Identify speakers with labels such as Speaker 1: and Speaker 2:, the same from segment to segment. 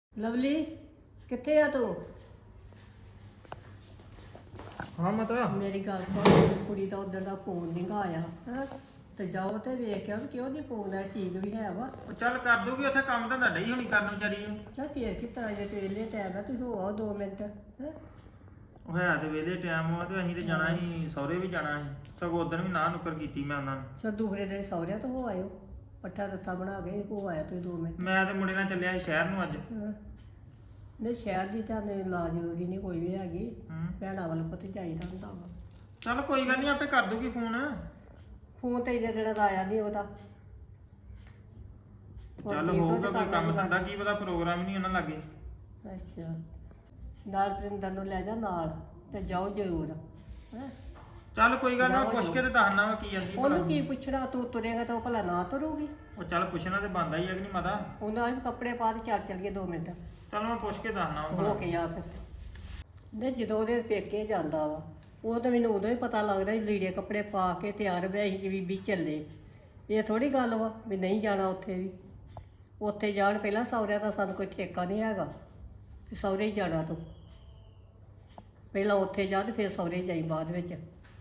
Speaker 1: Lovely ਕਿੱਥੇ ਆ ਤੂੰ?
Speaker 2: ਹਾਂ ਮਾਤਾ।
Speaker 1: ਮੇਰੀ ਗੱਲ ਸੁਣ, ਕੁੜੀ ਦਾ ਉਦੋਂ ਦਾ ਫੋਨ ਨਹੀਂ ਗਾ ਆਇਆ ਹੈਂ? ਤੇ ਜਾਓ ਤੇ ਵੇਖਿਆ ਵੀ ਕਿਉਂ ਨਹੀਂ ਫੋਨ ਆ, ਠੀਕ ਵੀ ਹੈ ਵਾ।
Speaker 2: ਉਹ ਚੱਲ ਕਰ ਦੂਗੀ ਉੱਥੇ ਕੰਮ ਤਾਂ ਤੁਹਾਡਾ ਹੀ ਹੋਣੀ ਕਰਨ ਵਿਚਾਰੀ ਨੂੰ।
Speaker 1: ਚੱਲ ਫੇਰ ਕਿ ਤਰ੍ਹਾਂ ਜੇ ਤੇਲੇ ਟਾਈਮ ਆ, ਤੁਸੀਂ ਹੋ ਆਓ 2 ਮਿੰਟ ਹੈਂ?
Speaker 2: ਉਹ ਹੈ ਤੇ ਵੇਲੇ ਟਾਈਮ ਆ ਤੇ ਅਸੀਂ ਤੇ ਜਾਣਾ ਸੀ, ਸਹੁਰੇ ਵੀ ਜਾਣਾ ਸੀ। ਸਗੋਂ ਉਦੋਂ ਵੀ ਨਾ ਨੁੱਕਰ ਕੀਤੀ ਮੈਂ ਉਹਨਾਂ ਨੂੰ।
Speaker 1: ਚੱਲ ਦੂਸਰੇ ਦਿਨ ਸਹੁਰਿਆਂ ਤੋਂ ਹੋ ਆਇਓ, ਪੱਠਾ ਦੱਥਾ ਬਣਾ ਕੇ ਹੋ ਆਇਆ ਤੁਸੀਂ 2 ਮਿੰਟ।
Speaker 2: ਮੈਂ ਤੇ ਮੁੰਡੇ ਨਾਲ ਚੱਲਿਆ ਸੀ ਸ਼ਹਿਰ ਨੂੰ ਅੱਜ।
Speaker 1: ਹਾਂ। ਨਹੀਂ ਸ਼ਹਿਰ ਦੀ ਤਾਂ ਲਾ ਜ਼ਰੂਰੀ ਨਹੀਂ ਕੋਈ ਵੀ ਹੈਗੀ, ਭੈਣਾਂ ਵੱਲ ਪੁੱਤ ਚਾਹੀਦਾ ਹੁੰਦਾ ਵਾ।
Speaker 2: ਚੱਲ ਕੋਈ ਗੱਲ ਨਹੀਂ, ਆਪੇ ਕਰ ਦੂਗੀ ਫੋਨ।
Speaker 1: ਫੋਨ ਤੇ ਇਹਦੇ ਜਿਹੜਾ ਦਾ ਆਇਆ ਨਹੀਂ ਉਹਦਾ।
Speaker 2: ਚੱਲ ਹੋਊਗਾ ਕੋਈ ਕੰਮ ਧੰਦਾ, ਕੀ ਪਤਾ ਪ੍ਰੋਗਰਾਮ ਨਹੀਂ ਉਹਨਾਂ ਲਾਗੇ।
Speaker 1: ਅੱਛਾ, ਨਾਲ ਪ੍ਰਿੰਦਰ ਨੂੰ ਲੈ ਜਾ ਨਾਲ ਤੇ ਜਾਓ ਜ਼ਰੂਰ ਹੈਂ?
Speaker 2: ਚੱਲ ਕੋਈ ਗੱਲ ਨਹੀਂ, ਪੁੱਛ ਕੇ ਤੇ ਦੱਸਣਾ ਵਾ ਕੀ ਜਾਂਦੀ।
Speaker 1: ਉਹਨੂੰ ਕੀ ਪੁੱਛਣਾ, ਤੂੰ ਤੁਰੇਗਾ ਤਾਂ ਉਹ ਭਲਾ ਨਾ ਤੁਰੂਗੀ।
Speaker 2: ਉਹ ਚੱਲ ਪੁੱਛਣਾ ਤੇ ਬਣਦਾ ਹੀ ਹੈ ਕਿ ਨਹੀਂ ਮਾਤਾ।
Speaker 1: ਉਹਨਾਂ ਵੀ ਕੱਪੜੇ ਪਾ ਕੇ ਚੱਲੀਏ 2 ਮਿੰਟ
Speaker 2: ਚੱਲ ਮੈਂ ਪੁੱਛ ਕੇ ਦੱਸਣਾ
Speaker 1: ਹੋ
Speaker 2: ਵਾ।
Speaker 1: ਕੇ ਆ ਫਿਰ। ਨਹੀਂ ਜਦੋਂ ਉਹਦੇ ਪੇਕੇ ਜਾਂਦਾ ਵਾ, ਉਹ ਤਾਂ ਮੈਨੂੰ ਉਦੋਂ ਹੀ ਪਤਾ ਲੱਗਦਾ ਸੀ ਲੀੜੇ ਕੱਪੜੇ ਪਾ ਕੇ ਤਿਆਰ ਵੈਸੀ ਜੀ ਬੀਬੀ ਚੱਲੇ। ਇਹ ਥੋੜੀ ਗੱਲ ਵਾ ਵੀ ਨਹੀਂ ਜਾਣਾ ਉੱਥੇ ਵੀ। ਉੱਥੇ ਜਾਣ ਪਹਿਲਾਂ ਸਹੁਰਿਆਂ ਦਾ ਸਾਨੂੰ ਕੋਈ ਠੇਕਾ ਨਹੀਂ ਹੈਗਾ ਵੀ ਸਹੁਰੇ ਹੀ ਜਾਣਾ ਤੂੰ। ਪਹਿਲਾਂ ਉੱਥੇ ਜਾ ਤੇ ਫਿਰ ਸਹੁਰੇ ਜਾਈ ਬਾਅਦ ਵਿੱਚ।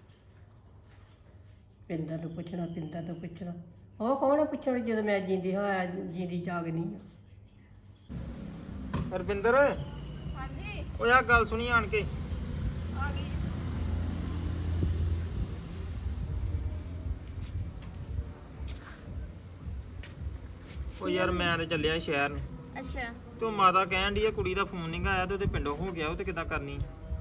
Speaker 1: ਪਿੰਦਰ ਨੂੰ ਪੁੱਛਣਾ, ਪਿੰਦਰ ਨੂੰ ਪੁੱਛਣਾ। ਉਹ ਕੌਣ ਪੁੱਛਣਾ ਜਦੋਂ ਮੈਂ ਜਿੰਦੀ ਹਾਂ, ਜਿੰਦੀ ਜਾਗਨੀ ਆ।
Speaker 2: ਰਵਿੰਦਰ।
Speaker 3: ਹਾਂਜੀ
Speaker 2: ਉਹ ਆ ਗੱਲ ਸੁਣੀ ਆਣ ਕੇ।
Speaker 3: ਆ ਗਈ।
Speaker 2: ਉਹ ਯਾਰ ਮੈਂ ਤੇ ਚੱਲਿਆ ਸੀ ਸ਼ਹਿਰ ਨੂੰ।
Speaker 3: ਅੱਛਾ,
Speaker 2: ਤੇ ਉਹ ਮਾਤਾ ਕਹਿਣ ਡਈ ਆ ਕੁੜੀ ਦਾ ਫੋਨ ਨਹੀਂ ਆਇਆ ਤੇ ਉਹਦੇ ਪਿੰਡੋਂ ਹੋ ਗਿਆ, ਉਹ ਤੇ ਕਿੱਦਾਂ ਕਰਨੀ।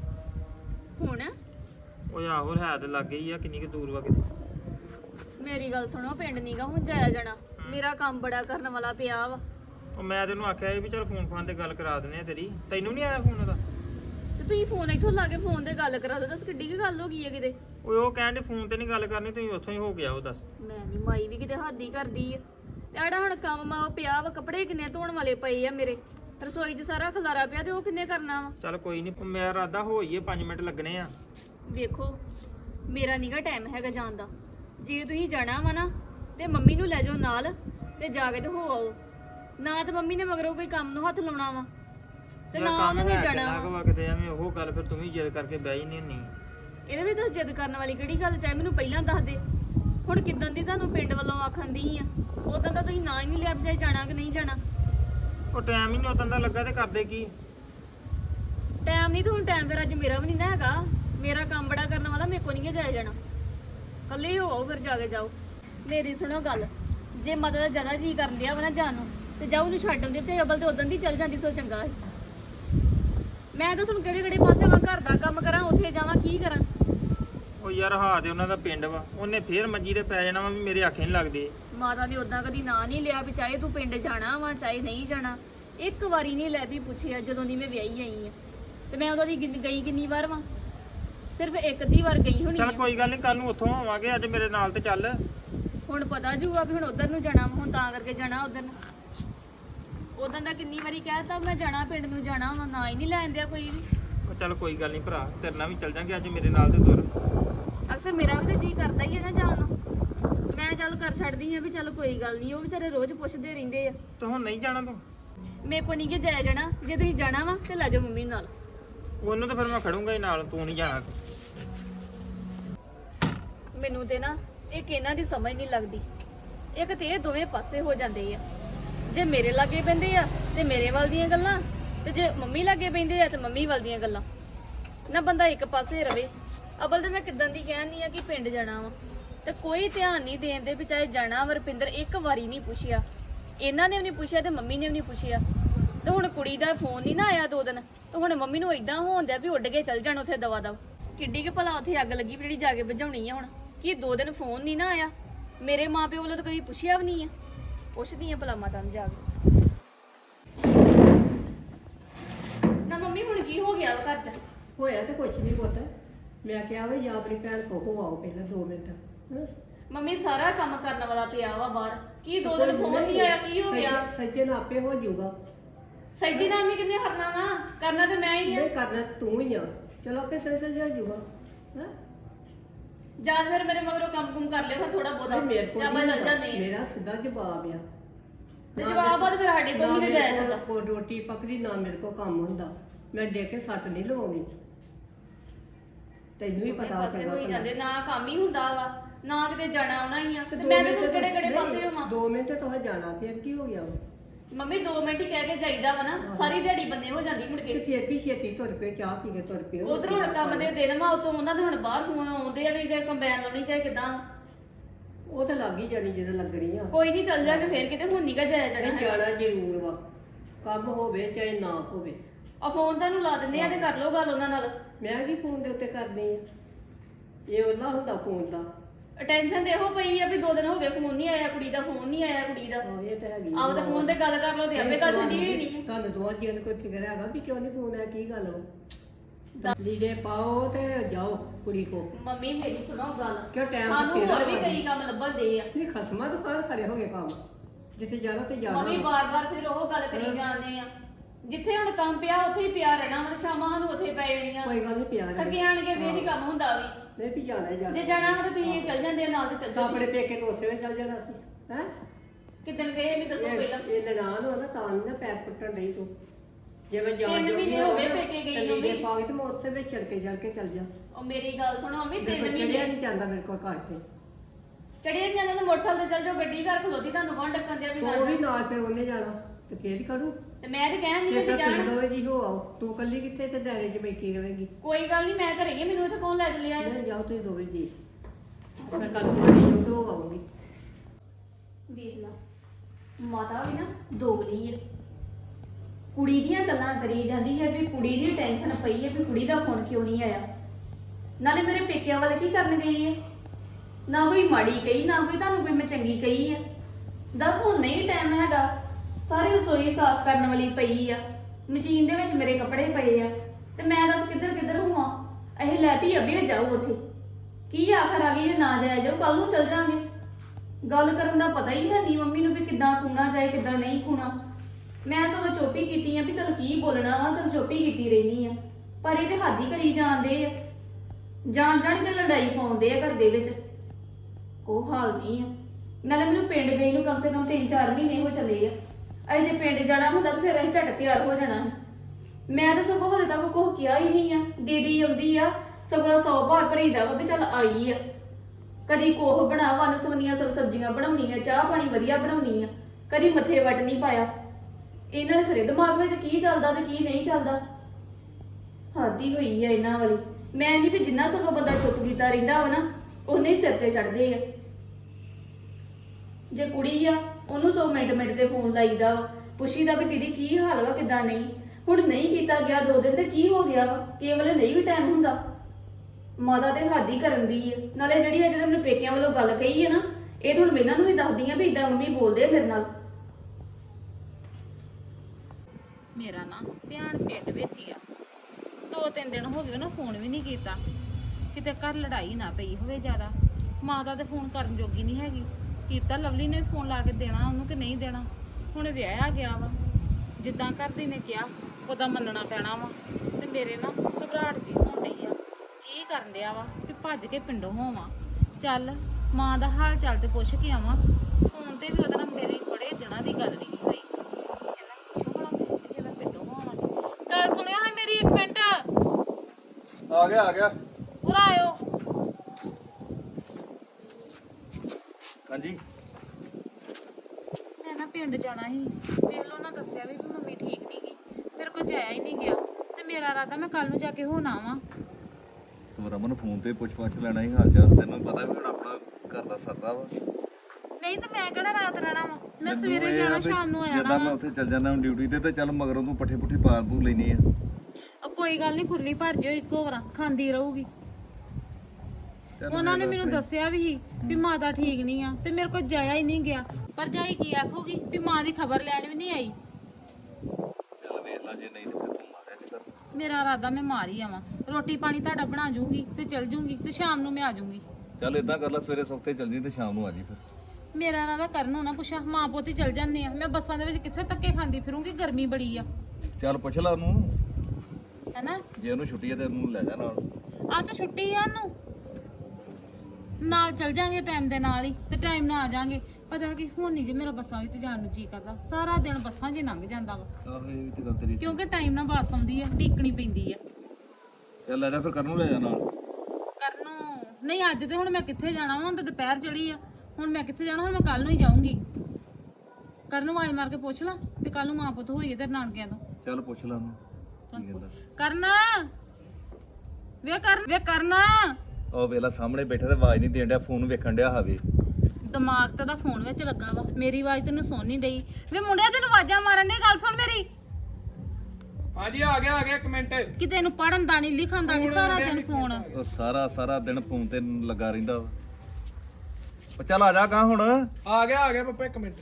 Speaker 3: ਹੁਣ
Speaker 2: ਉਹ ਆਹੋ ਹੈ ਤੇ ਲੱਗ ਗਈ ਆ, ਕਿੰਨੀ ਕੁ ਦੂਰ ਵਾ ਕਿਤੇ।
Speaker 3: ਮੇਰੀ ਗੱਲ ਸੁਣੋ, ਪਿੰਡ ਨੀਗਾ ਹੁਣ ਜਾਇਆ ਜਾਣਾ। ਮੇਰਾ ਕੰਮ ਬੜਾ ਕਰਨ ਵਾਲਾ ਪਿਆ ਵਾ।
Speaker 2: ਉਹ ਮੈਂ ਤੈਨੂੰ ਆਖਿਆ ਸੀ ਵੀ ਚਲ ਫੋਨ ਤੇ ਗੱਲ ਕਰਾ ਦਿੰਦੇ ਆ ਤੇਰੀ। ਤੈਨੂੰ ਨਹੀਂ ਆਇਆ ਫੋਨ ਉਹਦਾ?
Speaker 3: ਤੇ ਤੁਸੀਂ ਫੋਨ ਇੱਥੋਂ ਲਾ ਕੇ ਫੋਨ ਤੇ ਗੱਲ ਕਰਾ ਦੋ। ਦੱਸ ਕਿੱਡੀ ਕੀ ਗੱਲ ਹੋ ਗਈ ਹੈ ਕਿਤੇ।
Speaker 2: ਉਹ ਕਹਿਣ ਦੇ ਫੋਨ ਤੇ ਨਹੀਂ ਗੱਲ ਕਰਨੀ, ਤੁਸੀਂ ਉੱਥੋਂ ਹੀ ਹੋ ਗਿਆ ਉਹ। ਦੱਸ
Speaker 3: ਮੈਂ ਨਹੀਂ, ਮਾਈ ਵੀ ਕਿਤੇ ਹੱਦ ਹੀ ਕਰਦੀ ਆ। ਤੇ ਆੜਾ ਹੁਣ ਕੰਮ ਮਾ ਉਹ ਪਿਆ ਵਾ, ਕੱਪੜੇ ਕਿੰਨੇ ਧੋਣ ਵਾਲੇ ਪਏ ਆ ਮੇਰੇ, ਰਸੋਈ 'ਚ ਸਾਰਾ ਖਲਾਰਾ ਪਿਆ ਤੇ ਉਹ ਕਿੰਨੇ ਕਰਨਾ ਵਾ।
Speaker 2: ਚੱਲ ਕੋਈ ਨਹੀਂ, ਮੇਰਾ ਇਰਾਦਾ ਹੋਈਏ 5 ਮਿੰਟ ਲੱਗਣੇ ਆ।
Speaker 3: ਵੇਖੋ ਮੇਰਾ ਨੀਗਾ ਟਾਈਮ ਹੈਗਾ ਜਾਣ ਦਾ। ਜੇ ਤੁਸੀਂ ਜਾਣਾ ਵਾ ਨਾ ਤੇ ਮੰਮੀ ਨੂੰ ਲੈ ਜਾਓ ਨਾਲ ਤੇ ਜਾ ਕੇ ਤੇ ਹੋ ਆਓ। ਨਾ ਤੇ ਮੰਮੀ ਨੇ ਮਗਰੋਂ ਕੋਈ ਕੰਮ ਨੂੰ ਹੱਥ ਲਾਉਣਾ ਵਾ ਤੇ ਨਾ ਉਹਨਾਂ ਨੇ ਜਾਣਾ ਵਾ।
Speaker 2: ਕਿਤੇ ਐਵੇਂ ਉਹ ਗੱਲ ਫਿਰ ਤੂੰ ਵੀ ਜਿੱਦ ਕਰਕੇ ਬਹਿ ਹੀ ਨਹੀਂ ਹੁੰਨੀ।
Speaker 3: ਇਹਦੇ ਵਿੱਚ ਤਾਂ ਜਿੱਦ ਕਰਨ ਵਾਲੀ ਕਿਹੜੀ ਗੱਲ, ਚਾਹੇ ਮੈਨੂੰ ਪਹਿਲਾਂ ਦੱਸ ਦੇ। ਹੁਣ ਕਿਦਾਂ ਦੀ ਤੁਹਾਨੂੰ ਪਿੰਡ ਵੱਲੋਂ ਆਖਣ ਦੀ ਆ, ਉਦੋਂ ਤਾਂ ਤੁਸੀਂ ਨਾ ਹੀ ਨਹੀਂ ਲਿਆ ਬਜਾਏ ਜਾਣਾ ਕਿ ਨਹੀਂ ਜਾਣਾ।
Speaker 2: ਉਹ ਟਾਈਮ ਹੀ ਨਹੀਂ ਉਦੋਂ ਦਾ ਲੱਗਾ ਤੇ ਕਰਦੇ ਕੀ।
Speaker 3: ਟਾਈਮ ਨਹੀਂ ਤੇ ਹੁਣ ਟਾਈਮ ਫਿਰ ਅੱਜ ਮੇਰਾ ਵੀ ਨਹੀਂ ਨਾ ਹੈਗਾ। ਮੇਰਾ ਕੰਮ ਬੜਾ ਕਰਨ ਵਾਲਾ, ਮੇਰੇ ਕੋ ਨਹੀਂ ਜਾਇਆ ਜਾਣਾ। ਕੱਲੇ ਹੀ ਹੋਵੋ ਫਿਰ ਜਾ ਕੇ ਜਾਓ। ਮੇਰੀ ਸੁਣੋ ਗੱਲ, ਜੇ ਮਦਦ ਦਾ ਜ਼ਿਆਦਾ ਜੀ ਕਰਨ ਦਿਆ ਵਾ ਨਾ ਜਾਣ ਨੂੰ ਤੇ ਜਾਓ ਉਹਨੂੰ ਛੱਡ ਆਉਂਦੇ ਤੇ ਅਬਲ ਤੇ ਉਦੋਂ ਦੀ ਚੱਲ ਜਾਂਦੀ ਸੋ ਚੰਗਾ ਹੈ। ਮੈਂ ਤਾਂ ਤੁਹਾਨੂੰ ਕਿਹੜੇ ਕਿਹੜੇ ਪਾਸੇ ਵਾ, ਘਰ ਦਾ ਕੰਮ ਕਰਾਂ, ਉੱਥੇ ਜਾਵਾਂ, ਕੀ ਕਰਾਂ।
Speaker 2: ਉਹ ਯਾਰ ਹਾਂ ਤੇ ਉਹਨਾਂ ਦਾ ਪਿੰਡ ਵਾ, ਉਹਨੇ ਫੇਰ ਮੰਜੀ ਤੇ ਪੈ ਜਾਣਾ ਵਾ ਵੀ ਮੇਰੇ ਆਖੇ ਨਹੀਂ ਲੱਗਦੇ।
Speaker 3: ਮਾਤਾ ਨੇ ਉਦਾਂ ਕਦੀ ਨਾਂ ਨਹੀਂ ਲਿਆ ਵੀ ਚਾਹੇ ਤੂੰ ਪਿੰਡ ਜਾਣਾ ਵਾ ਚਾਹੇ ਨਹੀਂ ਜਾਣਾ। ਇੱਕ ਵਾਰੀ ਨਹੀਂ ਲੈ ਵੀ ਪੁੱਛਿਆ ਜਦੋਂ ਦੀ ਮੈਂ ਵਿਆਹੀ ਆਈ ਆ। ਤੇ ਮੈਂ ਉਦੋਂ ਦੀ ਗਈ ਕਿੰਨੀ ਵਾਰ ਵਾ, ਸਿਰਫ ਇੱਕ ਅੱਧੀ ਵਾਰ ਗਈ ਹੋਣੀ
Speaker 2: ਚੱਲ
Speaker 3: ਆ।
Speaker 2: ਕੋਈ ਗੱਲ ਨਹੀਂ, ਕੱਲ ਨੂੰ ਉੱਥੋਂ ਆਵਾਂਗੇ, ਅੱਜ ਮੇਰੇ ਨਾਲ ਤੇ ਚੱਲ।
Speaker 3: ਹੁਣ ਪਤਾ ਜੂਗਾ ਵੀ ਹੁਣ ਉਧਰ ਨੂੰ ਜਾਣਾ ਵਾ, ਹੁਣ ਤਾਂ ਕਰਕੇ ਜਾਣਾ ਉਧਰ ਨੂੰ। ਉਦੋਂ ਦਾ ਕਿੰਨੀ ਵਾਰੀ ਕਹਿਤਾ ਮੈਂ ਜਾਣਾ, ਪਿੰਡ ਨੂੰ ਜਾਣਾ ਵਾ, ਨਾ ਹੀ ਨਹੀਂ ਲੈਣ ਦਿਆ ਕੋਈ ਵੀ।
Speaker 2: ਉਹ ਚੱਲ ਕੋਈ ਗੱਲ ਨਹੀਂ ਭਰਾ, ਤੇਰੇ ਨਾਲ ਵੀ ਚੱਲ ਜਾਂਗੇ, ਅੱਜ ਮੇਰੇ ਨਾਲ ਤੇ ਤੁਰ।
Speaker 3: ਅਕਸਰ ਮੇਰਾ ਵੀ ਤਾਂ ਜੀ ਕਰਦਾ ਹੀ ਹੈ ਨਾ ਜਾਣ ਨੂੰ। ਮੈਂ ਚੱਲ ਕਰ ਛੱਡਦੀ ਆ ਵੀ ਚੱਲ ਕੋਈ ਗੱਲ ਨਹੀਂ, ਉਹ ਵਿਚਾਰੇ ਰੋਜ਼ ਪੁੱਛਦੇ ਰਹਿੰਦੇ ਆ।
Speaker 2: ਤੇ ਹੁਣ ਨਹੀਂ ਜਾਣਾ ਤੂੰ?
Speaker 3: ਮੇਰੇ ਕੋ ਨਹੀਂ ਕਿ ਜਾਇਆ ਜਾਣਾ। ਜੇ ਤੁਸੀਂ ਜਾਣਾ ਵਾ ਤੇ ਲੈ ਜਾਓ ਮੰਮੀ ਨਾਲ।
Speaker 2: ਉਹਨੂੰ ਤਾਂ ਫਿਰ ਮੈਂ ਖੜੂੰਗਾ ਹੀ ਨਾਲ, ਤੂੰ ਨਹੀਂ ਜਾਣਾ।
Speaker 3: ਮੈਨੂੰ ਤੇ ਨਾ ਇੱਕ ਇਹਨਾਂ ਦੀ ਸਮਝ ਨਹੀਂ ਲੱਗਦੀ। ਇੱਕ ਤੇ ਇਹ ਦੋਵੇਂ ਪਾਸੇ ਹੋ ਜਾਂਦੇ ਆ। ਜੇ ਮੇਰੇ ਲਾਗੇ ਪੈਂਦੇ ਆ ਤੇ ਮੇਰੇ ਵੱਲ ਦੀਆਂ ਗੱਲਾਂ, ਤੇ ਜੇ ਮੰਮੀ ਲਾਗੇ ਪੈਂਦੇ ਆ ਤੇ ਮੰਮੀ ਵੱਲ ਦੀਆਂ ਗੱਲਾਂ। ਨਾ ਬੰਦਾ ਇੱਕ ਪਾਸੇ ਰਵੇ। ਅਬਲ ਤੇ ਮੈਂ ਕਿਦਾਂ ਦੀ ਕਹਿਣੀ ਆ ਕਿ ਪਿੰਡ ਜਾਣਾ ਵਾ ਤੇ ਕੋਈ ਧਿਆਨ ਨਹੀਂ ਦੇਂਦੇ ਵੀ ਚਾਹੇ ਜਾਣਾ ਵਾ। ਰੁਪਿੰਦਰ ਇੱਕ ਵਾਰੀ ਨਹੀਂ ਪੁੱਛਿਆ, ਇਹਨਾਂ ਨੇ ਵੀ ਨਹੀਂ ਪੁੱਛਿਆ ਤੇ ਮੰਮੀ ਨੇ ਵੀ ਨਹੀਂ ਪੁੱਛਿਆ। ਤੇ ਹੁਣ ਕੁੜੀ ਦਾ ਫੋਨ ਨਹੀਂ ਨਾ ਆਇਆ 2 ਦਿਨ, ਤੇ ਹੁਣ ਮੰਮੀ ਨੂੰ ਇਦਾਂ ਹੋਣ ਦਿਆ ਵੀ ਉੱਡ ਕੇ ਚੱਲ ਜਾਣ ਉੱਥੇ ਦਵਾ ਦਵ। ਕਿੱਡੀ ਕਿ ਭਲਾ ਉੱਥੇ ਅੱਗ ਲੱਗੀ ਜਿਹੜੀ ਜਾ ਕੇ ਬੁਝਾਉਣੀ ਆ ਹੁਣ। ਕੀ 2 ਦਿਨ ਫੋਨ ਨਹੀਂ ਨਾ ਆਇਆ? ਮੇਰੇ ਮਾਪਿਓ ਵੱਲੋਂ ਤਾਂ ਕਦੀ ਪੁੱਛਿਆ ਵੀ ਨਹੀਂ ਆ। ਪੁੱਛਦੀ ਆ ਭਲਾ ਮਾਤਾ ਨੂੰ ਜਾ ਕੇ। ਨਾ ਮੰਮੀ ਹੁਣ ਕੀ ਹੋ ਗਿਆ ਘਰ 'ਚ?
Speaker 1: ਹੋਇਆ ਤੇ ਕੁਛ ਨਹੀਂ ਪੁੱਤ, ਮੈਂ ਕਿਹਾ ਵੀ ਜਾਂ ਆਪਣੀ ਭੈਣ ਕੋ ਹੋ ਆਓ ਪਹਿਲਾਂ 2 ਮਿੰਟ ਹੈਂ?
Speaker 3: ਮੰਮੀ ਸਾਰਾ ਕੰਮ ਕਰਨ ਵਾਲਾ ਪਿਆ ਵਾ ਬਾਹਰ। ਕੀ 2 ਦਿਨ ਫੋਨ ਨਹੀਂ ਆਇਆ, ਕੀ ਹੋ ਗਿਆ?
Speaker 1: ਸੱਜੇ ਨਾਲ ਆਪੇ ਹੋ ਜਾਊਗਾ।
Speaker 3: ਸੈਦੀ ਨਾਲ ਵੀ ਕਿੰਨੇ ਕਰਨਾ ਵਾ, ਕਰਨਾ ਤੇ ਮੈਂ ਹੀ ਆ।
Speaker 1: ਨਹੀਂ ਕਰਨਾ ਤੂੰ ਹੀ ਆ, ਚਲੋ ਆਪੇ ਸੱਜੇ ਹੋ ਜਾਊਗਾ ਹੈਂ?
Speaker 3: ਜਾਂ ਫਿਰ ਮੇਰੇ ਮਗਰੋਂ ਕੰਮ ਕੁਮ ਕਰ ਲਿਓ ਫਿਰ ਥੋੜਾ ਬਹੁਤਾ,
Speaker 1: ਮੇਰੇ ਕੋਲ
Speaker 3: ਜਾਂ ਮੈਂ ਚੱਲ ਜਾਂਦੀ ਆ।
Speaker 1: ਮੇਰਾ ਸਿੱਧਾ ਜਵਾਬ ਆ
Speaker 3: ਤੇ ਜਵਾਬ ਆ ਤੇ ਫਿਰ ਸਾਡੇ ਕੋਲ ਨਹੀਂ ਜਾਇਆ ਜਾਂਦਾ
Speaker 1: ਕੋਈ ਰੋਟੀ ਪੱਕਦੀ ਨਾ ਮੇਰੇ ਕੋਲ ਕੰਮ ਹੁੰਦਾ ਮੈਂ ਦੇ ਕੇ ਸੱਟ ਨਹੀਂ ਲਵਾਉਣੀ ਤੈਨੂੰ ਵੀ ਪਤਾ
Speaker 3: ਪਾਸੇ
Speaker 1: ਹੋਏਗਾ
Speaker 3: ਹੋਈ ਜਾਂਦੇ ਨਾ ਕੰਮ ਹੀ ਹੁੰਦਾ ਵਾ ਨਾ ਕਿਤੇ ਜਾਣਾ ਆਉਣਾ ਹੀ ਆ ਤੇ
Speaker 1: ਦੋ
Speaker 3: ਮੈਂ
Speaker 1: ਮਿੰਟ
Speaker 3: ਤਾਂ ਕਿਹੜੇ ਕਿਹੜੇ
Speaker 1: ਨਹੀਂ,
Speaker 3: ਪਾਸੇ ਹੋਵਾਂ
Speaker 1: 2 ਮਿੰਟ ਤੋਂ ਜਾਣਾ ਫਿਰ ਕੀ ਹੋ ਗਿਆ
Speaker 3: ਮੰਮੀ 2 ਮਿੰਟ ਹੀ ਕਹਿ ਕੇ ਜਾਈਦਾ ਵਾ ਨਾ ਸਾਰੀ ਦਿਹਾੜੀ ਬੰਨੇ ਹੋ ਜਾਂਦੀ ਮੁੜ
Speaker 1: ਤੇ
Speaker 3: ਕੇ
Speaker 1: ਫਿਰ ਵੀ ਛੇਤੀ ਤੁਰ ਪਏ ਚਾਹ ਪੀ ਕੇ ਤੁਰ ਪਏ
Speaker 3: ਉਧਰ ਹੁਣ ਕੰਮ ਦੇ ਦਿਨ ਵਾ ਉਤੋਂ ਉਹਨਾਂ ਦੇ ਹੁਣ ਬਾਹਰ ਫੋਨ ਆਉਂਦੇ ਆ ਵੀ ਜੇ ਕੰਬਾਈਨ ਲਾਉਣੀ ਚਾਹੇ ਕਿਦਾਂ
Speaker 1: ਉਹ ਤਾਂ ਲੱਗ ਹੀ ਜਾਣੀ ਜਦੋਂ ਲੱਗਣੀ ਆ
Speaker 3: ਕੋਈ ਨਹੀਂ ਚੱਲ ਜਾਗੇ ਫੇਰ ਕਿਤੇ ਹੁਣ ਨਿਕਾ ਜਾਇਆ
Speaker 1: ਨਹੀਂ
Speaker 3: ਜਾਣਾ
Speaker 1: ਜਾਣਾ ਜ਼ਰੂਰ ਵਾ ਕੰਮ ਹੋਵੇ ਚਾਹੇ ਨਾ ਹੋਵੇ
Speaker 3: ਆ ਫੋਨ ਤੁਹਾਨੂੰ ਲਾ ਦਿੰਦੇ ਆ ਤੇ ਕਰ ਲਓ ਗੱਲ ਉਹਨਾਂ ਨਾਲ
Speaker 1: ਮੈਂ ਕੀ ਫੋਨ ਦੇ ਉੱਤੇ ਕਰਨੀ ਆ ਇਹ ਉਹਦਾ ਹੁੰਦਾ ਫੋਨ ਦਾ
Speaker 3: ਟੈਨਸ਼ਨ ਤੇ ਇਹੋ ਪਈ ਆ ਵੀ 2 ਦਿਨ ਹੋ ਗਏ ਫੋਨ ਨਹੀਂ ਆਇਆ ਕੁੜੀ ਦਾ ਫੋਨ ਨਹੀਂ ਆਇਆ ਕੁੜੀ ਦਾ
Speaker 1: ਹਾਂ, ਇਹ ਤਾਂ ਹੈਗੀ
Speaker 3: ਆਪ ਤਾਂ ਫੋਨ ਤੇ ਗੱਲ ਕਰ ਲਓ ਤੇ ਆਪੇ ਗੱਲ ਠੰਡੀ ਹੋਈ ਨਹੀਂ
Speaker 1: ਤੁਹਾਨੂੰ ਦੋਵਾਂ ਜੀਆਂ ਨੂੰ ਕੋਈ ਫਿਕਰ ਹੈਗਾ ਵੀ ਕਿਉਂ ਨਹੀਂ ਫੋਨ ਆਇਆ ਕੀ ਗੱਲ ਵਾ ਲੀੜੇ ਪਾਓ ਤੇ ਜਾਓ ਕੁੜੀ ਕੋ
Speaker 3: ਮੰਮੀ ਮੇਰੀ ਸੁਣੋ ਗੱਲ
Speaker 1: ਕਿਉਂ ਟਾਈਮ
Speaker 3: ਸਾਨੂੰ ਹੋਰ ਵੀ ਕਈ ਕੰਮ ਲੱਭਣ ਦੇ ਆ
Speaker 1: ਨਹੀਂ ਖਸਮਾਂ ਤੋਂ ਬਾਹਰ ਖੜੇ ਹੋ ਗਏ ਕੰਮ ਜਿੱਥੇ ਜਾਣਾ ਤੇ ਜਾਣਾ
Speaker 3: ਮੰਮੀ ਬਾਰ-ਬਾਰ ਫਿਰ ਉਹ ਗੱਲ ਕਰੀ ਜਾਂਦੇ ਆ ਜਿੱਥੇ ਹੁਣ ਕੰਮ ਪਿਆ ਉੱਥੇ ਹੀ ਪਿਆ ਰਹਿਣਾ ਵਾ ਸ਼ਾਮਾਂ ਸਾਨੂੰ ਉੱਥੇ ਪੈ ਜਾਣੀਆਂ
Speaker 1: ਕੋਈ ਗੱਲ ਨਹੀਂ ਪਿਆਰ
Speaker 3: ਥੱਕੇ ਆਣ ਕੇ ਫੇਰ ਹੀ ਕੰਮ ਹੁੰਦਾ ਵੀ
Speaker 1: ਨਹੀਂ ਵੀ ਜਾਣਾ ਹੀ ਜਾਣਾ
Speaker 3: ਜੇ ਜਾਣਾ ਵਾ ਤਾਂ ਤੁਸੀਂ ਚੱਲ ਜਾਂਦੇ ਆ ਨਾਲ ਤੇ ਚੱਲ
Speaker 1: ਤਾਂ
Speaker 3: ਜਾਂਦੇ
Speaker 1: ਆਪਣੇ ਪੇਕੇ ਤੋਂ ਉਸੇ ਵੇਲੇ ਚੱਲ ਜਾਣਾ ਸੀ ਹੈ
Speaker 3: ਕਿਦਨ ਗਏ ਵੀ ਦੱਸੋ ਪਹਿਲਾਂ
Speaker 1: ਇਹ ਨਨਾਣ ਉਹਦਾ ਤਾਂ ਨੀ ਨਾ ਪੈਰ ਪੁੱਟਣ ਡਈ ਤੂੰ ਜੇ ਮੈਂ ਜਾਣ
Speaker 3: 3 ਮਹੀਨੇ ਹੋ ਗਏ ਪੇਕੇ ਗਈ ਨੂੰ ਵੀ
Speaker 1: ਪਾਗੇ ਤੇ ਮੈਂ ਉੱਥੇ ਵਿੱਚ ਛੜਕੇ ਚੱਲ ਜਾ
Speaker 3: ਉਹ ਮੇਰੀ ਗੱਲ ਸੁਣੋ ਮੰਮੀ 3
Speaker 1: ਚੜਿਆ
Speaker 3: ਮਹੀਨੇ
Speaker 1: ਨਹੀਂ ਜਾਂਦਾ ਮੇਰੇ ਕੋਲ ਘਰ ਤੇ
Speaker 3: ਚੜੀਆਂ ਜਾਂਦੇ ਤਾਂ ਮੋਟਰਸਾਈਕਲ ਤੇ ਚੱਲ ਜਾਓ ਗੱਡੀ ਘਰ ਖਲੋਤੀ ਤੁਹਾਨੂੰ ਕੌਣ ਡੱਕਣ ਦਿਆ ਵੀ
Speaker 1: ਤੂੰ
Speaker 3: ਨਾ
Speaker 1: ਉਹ ਵੀ
Speaker 3: ਜਾ।
Speaker 1: ਨਾਲ ਫੇਰ ਉਹਨੇ ਜਾਣਾ ਤੇ ਫੇਰ ਹੀ ਕਰੂ
Speaker 3: ਤੇ ਮੈਂ ਤੇ ਕਹਿੰਦੀ
Speaker 1: ਤੇ
Speaker 3: ਆ ਵੀ
Speaker 1: ਤਾਂ
Speaker 3: ਜਾਣ
Speaker 1: ਤੁਸੀਂ ਦੋਵੇਂ ਜੀ ਹੋ ਆਓ ਤੂੰ ਕੱਲੀ ਕਿੱਥੇ ਤੇ ਦਾਇਰੇ 'ਚ ਬੈਠੀ ਰਹੇਗੀ
Speaker 3: ਕੋਈ ਗੱਲ ਨਹੀਂ ਮੈਂ ਘਰੇ ਹੀ ਆ, ਮੈਨੂੰ ਇੱਥੇ ਕੌਣ ਲੈ ਚੱਲਿਆ
Speaker 1: ਮੈਂ ਜਾਓ ਤੁਸੀਂ ਦੋਵੇਂ ਜੀ ਮੈਂ ਕੱਲ ਤੁਹਾਡੀ ਜੋ ਹੋ ਆਉਂਗੀ
Speaker 3: ਵੇਖ ਲਾ ਮਾਤਾ ਵੀ ਨਾ ਦੋਗਲੀ ਆ ਕੁੜੀ ਦੀਆਂ ਗੱਲਾਂ ਕਰੀ ਜਾਂਦੀ ਹੈ ਵੀ ਕੁੜੀ ਦੀ ਟੈਨਸ਼ਨ ਪਈ ਹੈ ਵੀ ਕੁੜੀ ਦਾ ਫੋਨ ਕਿਉਂ ਨਹੀਂ ਆਇਆ ਨਾਲੇ ਮੇਰੇ ਪੇਕਿਆਂ ਵਾਲੇ ਕੀ ਕਰਨ ਗਈ ਹੈ ਨਾ ਕੋਈ ਮਾੜੀ ਕਹੀ ਨਾ ਕੋਈ ਤੁਹਾਨੂੰ ਕੋਈ ਮੈਂ ਚੰਗੀ ਕਹੀ ਹੈ ਦੱਸ ਹੁਣ ਨਹੀਂ ਟਾਈਮ ਹੈਗਾ ਸਾਰੀ ਰਸੋਈ ਸਾਫ਼ ਕਰਨ ਵਾਲੀ ਪਈ ਆ ਮਸ਼ੀਨ ਦੇ ਵਿੱਚ ਮੇਰੇ ਕੱਪੜੇ ਪਏ ਆ ਤੇ ਮੈਂ ਦੱਸ ਕਿੱਧਰ ਕਿੱਧਰ ਹੋਵਾਂ ਇਹ ਲੈ ਵੀ ਅੱਬੇ ਜਾਓ ਉੱਥੇ ਕੀ ਆਖਰ ਆ ਗਈ ਜੇ ਨਾ ਜਾਇਆ ਜਾਓ ਕੱਲ ਨੂੰ ਚੱਲ ਜਾਾਂਗੇ ਗੱਲ ਕਰਨ ਦਾ ਪਤਾ ਹੀ ਹੈ ਨਹੀਂ ਮੰਮੀ ਨੂੰ ਵੀ ਕਿੱਦਾਂ ਖੂਣਾ ਚਾਹੇ ਕਿੱਦਾਂ ਨਹੀਂ ਖੂਣਾ ਮੈਂ ਸਗੋਂ ਚੋਪੀ ਕੀਤੀ ਆ ਵੀ ਚਲ ਕੀ ਬੋਲਣਾ ਵਾ ਚਲ ਚੋਪੀ ਕੀਤੀ ਰਹਿਣੀ ਆ ਪਰ ਇਹ ਤੇ ਹੱਦ ਹੀ ਕਰੀ ਜਾਂਦੇ ਆ ਜਾਣ ਜਾਣ ਕੇ ਲੜਾਈ ਪਾਉਂਦੇ ਆ ਘਰ ਦੇ ਵਿੱਚ ਉਹ ਹਾਲ ਨਹੀਂ ਆ ਨਾਲੇ ਮੈਨੂੰ ਪਿੰਡ ਗਈ ਨੂੰ ਕਮ ਸੇ ਕਮ 3-4 ਮਹੀਨੇ ਹੋ ਚੱਲੇ ਆ ਅਜੇ ਜੇ ਪਿੰਡ ਜਾਣਾ ਹੁੰਦਾ ਤਾਂ ਫਿਰ ਅਸੀਂ ਝਟ ਤਿਆਰ ਹੋ ਜਾਣਾ ਸੀ ਮੈਂ ਤਾਂ ਸਗੋਂ ਹਲੇ ਤੱਕ ਕੁਝ ਕਿਹਾ ਹੀ ਨਹੀਂ ਆ ਦੀਦੀ ਆਉਂਦੀ ਆ ਸਗੋਂ 100 ਭਾਰ ਭਰੀਦਾ ਵਾ ਵੀ ਚੱਲ ਆਈ ਆ ਕਦੀ ਕੋਹ ਬਣਾ ਵਨ ਸਵਨੀਆਂ ਸਬਜ਼ੀਆਂ ਬਣਾਉਣੀਆਂ ਚਾਹ ਪਾਣੀ ਵਧੀਆ ਬਣਾਉਣੀ ਆ ਕਦੀ ਮੱਥੇ ਵੱਟ ਨਹੀਂ ਪਾਇਆ ਇਹਨਾਂ ਦੇ ਖਰੇ ਦਿਮਾਗ ਵਿੱਚ ਕੀ ਚੱਲਦਾ ਤੇ ਕੀ ਨਹੀਂ ਚੱਲਦਾ ਹਾਦੀ ਹੋਈ ਆ ਇਹਨਾਂ ਵਾਲੀ ਮੈਂ ਨਹੀਂ ਵੀ ਜਿੰਨਾ ਸਗੋਂ ਬੰਦਾ ਚੁੱਪ ਕੀਤਾ ਰਹਿੰਦਾ ਵਾ ਨਾ ਉਹਨੇ ਹੀ ਸਿਰ ਤੇ ਚੜਦੇ ਆ ਜੇ ਕੁੜੀ ਆ ਉਹਨੂੰ 100 ਮਿੰਟ ਤੇ ਫੋਨ ਲਾਈਦਾ ਵਾ ਪੁੱਛੀਦਾ ਵੀ ਦੀਦੀ ਕੀ ਹਾਲ ਵਾ ਕਿੱਦਾਂ ਨਹੀਂ ਹੁਣ ਨਹੀਂ ਕੀਤਾ ਗਿਆ 2 ਦਿਨ ਤੇ ਕੀ ਹੋ ਗਿਆ ਵਾ ਕੇਵਲ ਨਹੀਂ ਵੀ ਟਾਈਮ ਹੁੰਦਾ ਮਾਤਾ ਤੇ ਹੱਦ ਹੀ ਕਰਨ ਦੀ ਆ ਨਾਲੇ ਜਿਹੜੀ ਅਜੇ ਮੈਨੂੰ ਪੇਕਿਆਂ ਵੱਲੋਂ ਗੱਲ ਕਹੀ ਹੈ ਨਾ ਇਹ ਤਾਂ ਹੁਣ ਮੈਂ ਇਹਨਾਂ ਨੂੰ ਵੀ ਦੱਸਦੀ ਆ ਵੀ ਇਦਾਂ ਮੰਮੀ ਬੋਲਦੇ ਆ ਮੇਰੇ ਨਾਲ
Speaker 4: ਮੇਰਾ ਨਾ ਧਿਆਨ ਪਿੰਡ ਵਿੱਚ ਹੀ ਆ 2-3 ਦਿਨ ਹੋ ਗਏ ਨਾ ਫੋਨ ਵੀ ਨਹੀਂ ਕੀਤਾ ਕਿਤੇ ਘਰ ਲੜਾਈ ਨਾ ਪਈ ਹੋਵੇ ਜ਼ਿਆਦਾ ਮਾਤਾ ਤੇ ਫੋਨ ਕਰਨ ਜੋਗੀ ਨਹੀਂ ਹੈਗੀ ਕੀਤਾ ਲਵਲੀ ਨੇ ਫੋਨ ਲਾ ਕੇ ਦੇਣਾ ਉਹਨੂੰ ਕਿ ਨਹੀਂ ਦੇਣਾ ਹੁਣ ਵਿਆਹਿਆ ਗਿਆ ਵਾ ਜਿੱਦਾਂ ਘਰਦੀ ਨੇ ਕਿਹਾ ਉਦਾਂ ਮੰਨਣਾ ਪੈਣਾ ਵਾ ਤੇ ਮੇਰੇ ਨਾ ਘਬਰਾਹਟ ਜੀ ਹੋਣ ਡਈ ਆ ਜੀ ਕਰਨ ਡਿਆ ਵਾ ਕਿ ਭੱਜ ਕੇ ਪਿੰਡੋਂ ਹੋਵਾਂ ਚੱਲ ਮਾਂ ਦਾ ਹਾਲ ਚਾਲ ਤੇ ਪੁੱਛ ਕੇ ਆਵਾਂ ਫੋਨ ਤੇ ਵੀ ਉਹਦੇ ਨਾਲ ਮੇਰੀ ਬੜੇ ਦਿਨਾਂ ਦੀ ਗੱਲ ਨਹੀਂ ਹੋਈ ਗੱਲ ਸੁਣਿਓ ਹਾਂ ਮੇਰੀ 1 ਮਿੰਟ
Speaker 5: ਆ ਗਿਆ
Speaker 4: ਪੂਰਾ ਆਇਓ
Speaker 5: ਹਾਂਜੀ
Speaker 4: ਮੈਂ ਨਾ ਪਿੰਡ ਜਾਣਾ ਸੀ ਵੇਖ ਲਓ ਨਾ ਦੱਸਿਆ ਵੀ ਮੰਮੀ ਠੀਕ ਨਹੀਂ ਗਈ ਮੇਰੇ ਕੋਲ ਜਾਇਆ ਹੀ ਨਹੀਂ ਗਿਆ ਤੇ ਮੇਰਾ ਇਰਾਦਾ ਮੈਂ ਕੱਲ ਨੂੰ ਜਾ ਕੇ ਹੋਣਾ ਵਾ
Speaker 5: ਤੂੰ ਰਮਨ ਫੋਨ ਤੇ ਪੁੱਛ ਲੈਣਾ ਸੀ ਹਾਲ ਚਾਲ ਤੈਨੂੰ ਪਤਾ ਵੀ ਹੁਣ ਆਪਣਾ ਘਰ ਦਾ ਸਰਦਾ ਵਾ
Speaker 4: ਨਹੀਂ ਤਾਂ ਮੈਂ ਕਿਹੜਾ ਰਾਤ ਰਹਿਣਾ ਵਾ ਮੈਂ ਸਵੇਰੇ ਜਾਣਾ ਸ਼ਾਮ ਨੂੰ ਆ ਜਾਣਾ
Speaker 5: ਜਦੋਂ ਮੈਂ ਉੱਥੇ ਚੱਲ ਜਾਣਾ ਡਿਊਟੀ ਤੇ ਤੇ ਚੱਲ ਮਗਰੋਂ ਤੂੰ ਪੱਠੇ ਪੁੱਠੇ ਪਾਰ ਪੂ ਲੈਣੀ ਆ
Speaker 4: ਕੋਈ ਗੱਲ ਨਹੀਂ ਖੁਰਲੀ ਭਰ ਜਿਓ ਇੱਕੋ ਵਾਰ ਖਾਂਦੀ ਰਹੂਗੀ ਉਹਨਾਂ ਨੇ ਮੈਨੂੰ ਦੱਸਿਆ ਵੀ ਸੀ ਵੀ ਮਾਤਾ ਠੀਕ ਨਹੀਂ ਆ ਤੇ ਮੇਰੇ ਕੋਲ ਜਾਇਆ ਹੀ ਨਹੀਂ ਗਿਆ ਪਰ ਜਾਈ ਕੀ ਆਖੂਗੀ ਵੀ ਮਾਂ ਦੀ ਖਬਰ ਲੈਣ ਵੀ ਨਹੀਂ ਆਈ
Speaker 5: ਚੱਲ ਵੇਖ ਲਾ ਜੇ ਨਹੀਂ ਤੇ ਫਿਰ ਤੂੰ ਮਾਰਿਆ ਚੱਕਰ
Speaker 4: ਮੇਰਾ ਇਰਾਦਾ ਮੈਂ ਮਾਰ ਹੀ ਆਵਾਂ ਰੋਟੀ ਪਾਣੀ ਤੁਹਾਡਾ ਬਣਾ ਜੂਗੀ ਤੇ ਚਲ ਜੂਗੀ ਤੇ ਸ਼ਾਮ ਨੂੰ ਮੈਂ ਆ ਜੂਗੀ
Speaker 5: ਚੱਲ ਇਦਾਂ ਕਰ ਲੈ ਸਵੇਰੇ ਸੁਖਤੇ ਚੱਲ ਜੀ ਤੇ ਸ਼ਾਮ ਨੂੰ ਆ ਜੀ ਫਿਰ
Speaker 4: ਮੇਰਾ ਇਰਾਦਾ ਕਰਨ ਨੂੰ ਨਾ ਪੁੱਛਾ ਮਾਂ ਪੋਤੀ ਚਲ ਜਾਂਦੇ ਆ ਮੈਂ ਬੱਸਾਂ ਦੇ ਵਿੱਚ ਕਿੱਥੇ ਧੱਕੇ ਖਾਂਦੀ ਫਿਰੂੰਗੀ ਗਰਮੀ ਬੜੀ ਆ
Speaker 5: ਚੱਲ ਪੁੱਛ ਲੈ ਉਹਨੂੰ
Speaker 4: ਹੈਨਾ
Speaker 5: ਜੇ ਉਹਨੂੰ ਛੁੱਟੀ ਹੈ ਤੇ ਉਹਨੂੰ ਲੈ ਜਾ ਨਾਲ
Speaker 4: ਅੱਜ ਤਾਂ ਛੁੱਟੀ ਆ ਉਹਨੂੰ ਨਾਲ ਚਲ ਜਾਾਂਗੇ ਟਾਈਮ ਦੇ ਨਾਲ ਹੀ ਤੇ ਟਾਈਮ ਨਾਲ ਆ ਜਾਾਂਗੇ ਪਤਾ ਕੀ ਹੁਣ ਨਹੀਂ ਜੇ ਮੇਰਾ ਬੱਸਾਂ ਵਿੱਚ ਜਾਣ ਨੂੰ ਜੀ ਕਰਦਾ, ਸਾਰਾ ਦਿਨ ਬੱਸਾਂ 'ਚ ਹੀ ਲੰਘ ਜਾਂਦਾ ਵਾ,
Speaker 5: ਆਹੋ ਇਹ ਵੀ ਤੇ ਗੱਲ ਤੇਰੀ
Speaker 4: ਕਿਉਂਕਿ ਟਾਈਮ ਨਾਲ ਬੱਸ ਆਉਂਦੀ ਆ, ਢੀਕਣੀ ਪੈਂਦੀ ਆ।
Speaker 5: ਚੱਲ ਲੈ ਜਾ ਫਿਰ ਕਰਨ ਨੂੰ ਲੈ ਜਾ ਨਾਲ।
Speaker 4: ਕਰਨ ਨੂੰ ਨਹੀਂ, ਅੱਜ ਤੇ ਹੁਣ ਮੈਂ ਕਿੱਥੇ ਜਾਣਾ ਵਾ, ਹੁਣ ਤਾਂ ਦੁਪਹਿਰ ਚੜੀ ਆ, ਹੁਣ ਮੈਂ ਕਿੱਥੇ ਜਾਣਾ, ਹੁਣ ਮੈਂ ਕੱਲ ਨੂੰ ਹੀ ਜਾਊਂਗੀ। ਕਰਨ ਨੂੰ ਆਵਾਜ਼ ਮਾਰ ਕੇ ਪੁੱਛ ਲਾਂ ਵੀ ਕੱਲ ਨੂੰ ਮਾਂ ਪੁੱਤ ਹੋਈਏ ਤੇਰੇ ਨਾਨਕਿਆਂ ਤੋਂ।
Speaker 5: ਚੱਲ ਪੁੱਛ ਲਾ ਉਹਨੂੰ ਕੀ ਕਹਿੰਦਾ।
Speaker 4: ਕਰਨ ਵੇ ਕਰਨ
Speaker 5: ਉਹ ਵੇਲਾ ਸਾਹਮਣੇ ਬੈਠਾ ਤੇ ਆਵਾਜ਼ ਨਹੀਂ ਦੇਣ ਡਿਆ, ਫੋਨ ਵੇਖਣ ਡਿਆ ਹਾਵੇ।
Speaker 4: ਦਿਮਾਗ ਤਾਂ ਦਾ ਫੋਨ ਵਿੱਚ ਲੱਗਾ ਵਾ, ਮੇਰੀ ਆਵਾਜ਼ ਤੈਨੂੰ ਸੁਣ ਨਹੀਂ ਡਈ। ਵੇ ਮੁੰਡਿਆ ਤੈਨੂੰ ਆਵਾਜ਼ਾਂ ਮਾਰਨ ਦੀ, ਗੱਲ ਸੁਣ ਮੇਰੀ।
Speaker 2: ਹਾਂਜੀ ਆ ਗਿਆ ਇੱਕ ਮਿੰਟ।
Speaker 4: ਕਿਤੇ ਇਹਨੂੰ ਪੜਨ ਦਾ ਨਹੀਂ, ਲਿਖਣ ਦਾ ਨਹੀਂ, ਸਾਰਾ ਦਿਨ ਫੋਨ।
Speaker 5: ਉਹ ਸਾਰਾ ਦਿਨ ਫੋਨ ਤੇ ਲੱਗਾ ਰਹਿੰਦਾ ਵਾ। ਉਹ ਚੱਲ ਆ ਜਾ ਗਾ ਹੁਣ।
Speaker 2: ਆ ਗਿਆ ਪਪਾ ਇੱਕ ਮਿੰਟ।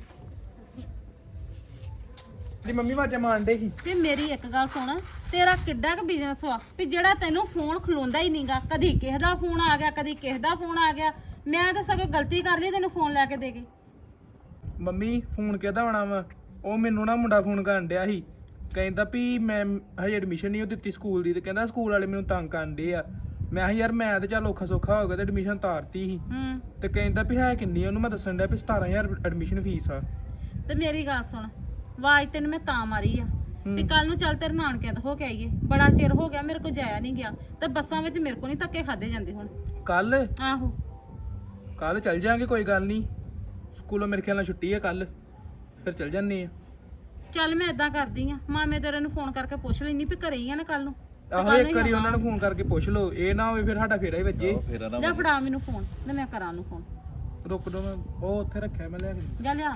Speaker 2: ਦੀ ਮੰਮੀ ਵਾਜਾ ਮਾਰਨ ਸੀ।
Speaker 4: ਤੇ ਮੇਰੀ ਇੱਕ ਗੱਲ ਸੁਣ, ਤੇਰਾ ਕਿੱਡਾ ਕੁ ਬਿਜ਼ਨਸ ਵਾ ਵੀ ਜਿਹੜਾ ਤੈਨੂੰ ਫੋਨ ਖਲੋਂਦਾ ਹੀ ਨਹੀਂਗਾ। ਕਦੀ ਕਿਸੇ ਦਾ ਫੋਨ ਆ ਗਿਆ, ਕਦੀ ਕਿਸੇ ਦਾ ਫੋਨ ਆ ਗਿਆ। ਮੈਂ ਤਾਂ ਸਗੋਂ ਗਲਤੀ ਕਰ ਲਈ ਤੈਨੂੰ ਫੋਨ ਲੈ ਕੇ ਦੇ ਕੇ।
Speaker 6: ਮੰਮੀ ਫੋਨ ਕਿਹਦਾ ਆਉਣਾ ਵਾ? ਉਹ ਮੈਨੂੰ ਨਾ ਮੁੰਡਾ ਫੋਨ ਕਰਨ ਡਿਆ ਸੀ, ਕਹਿੰਦਾ ਵੀ ਮੈਂ ਹਜੇ ਐਡਮਿਸ਼ਨ ਨਹੀਂ ਉਹ ਦਿੱਤੀ ਸਕੂਲ ਦੀ, ਤੇ ਕਹਿੰਦਾ ਸਕੂਲ ਵਾਲੇ ਮੈਨੂੰ ਤੰਗ ਕਰਨ ਡੇ ਆ। ਮੈਂ ਕਿਹਾ ਯਾਰ ਮੈਂ ਤੇ ਚੱਲ ਔਖਾ ਸੌਖਾ ਹੋ ਗਿਆ ਤੇ ਐਡਮਿਸ਼ਨ ਤਾਰਤੀ ਸੀ। ਤੇ ਕਹਿੰਦਾ ਵੀ ਹੈ ਕਿੰਨੀ, ਉਹਨੂੰ ਮੈਂ ਦੱਸਣ ਡਿਆ ਵੀ 17000 ਐਡਮਿਸ਼ਨ ਫੀਸ ਆ।
Speaker 4: ਤੇ ਮੇਰੀ ਗੱਲ ਸੁਣ, ਆਵਾਜ਼ ਤੈਨੂੰ ਮੈਂ ਤਾਂ ਮਾਰੀ ਆ ਵੀ ਕੱਲ ਨੂੰ ਚੱਲ ਤੇਰੇ ਨਾਨਕਿਆਂ ਤੋਂ ਹੋ ਕੇ ਆਈਏ। ਬੜਾ ਚਿਰ ਹੋ ਗਿਆ ਮੇਰੇ ਕੋਲ ਜਾਇਆ ਨਹੀਂ ਗਿਆ, ਤੇ ਬੱਸਾਂ ਵਿੱਚ ਮੇਰੇ ਕੋਲ ਨਹੀਂ ਧੱਕੇ ਖਾਦੇ ਜਾਂਦੇ ਹੁਣ।
Speaker 6: ਕੱਲ
Speaker 4: ਆਹੋ
Speaker 6: ਚੱਲ ਜਾਾਂਗੇ, ਕੋਈ ਗੱਲ ਨਹੀਂ। ਸਕੂਲੋਂ ਮੇਰੇ ਖਿਆਲ ਨਾਲ ਛੁੱਟੀ ਹੈ ਕੱਲ, ਫਿਰ ਚੱਲ ਜਾਂਦੇ ਆ।
Speaker 4: ਚੱਲ ਮੈਂ ਏਦਾਂ ਕਰਦੀ ਆ, ਮਾਮੇ ਤੇਰੇ ਨੂੰ ਫੋਨ ਕਰਕੇ ਪੁੱਛ ਲੈਣੀ ਵੀ ਘਰੇ ਹੀ ਆ ਨਾ ਕੱਲ ਨੂੰ।
Speaker 6: ਆਹੋ ਇੱਕ ਵਾਰੀ ਉਹਨਾਂ ਨੂੰ ਫੋਨ ਕਰਕੇ ਪੁੱਛ ਲਓ, ਇਹ ਨਾ ਹੋਵੇ ਫਿਰ ਸਾਡਾ ਫੇਰਾ ਹੀ ਵੱਜੇ।
Speaker 5: ਫੇਰ ਨਾ
Speaker 4: ਲੈ ਫੜਾ ਮੈਨੂੰ ਫੋਨ ਤੇ ਮੈਂ ਕਰਾਂ ਉਹਨੂੰ ਫੋਨ।
Speaker 6: ਰੁਕ ਦੋ, ਮੈਂ ਉਹ ਉੱਥੇ ਰੱਖਿਆ, ਮੈਂ ਲਿਆ ਕੇ।
Speaker 4: ਜਾ ਲਿਆ।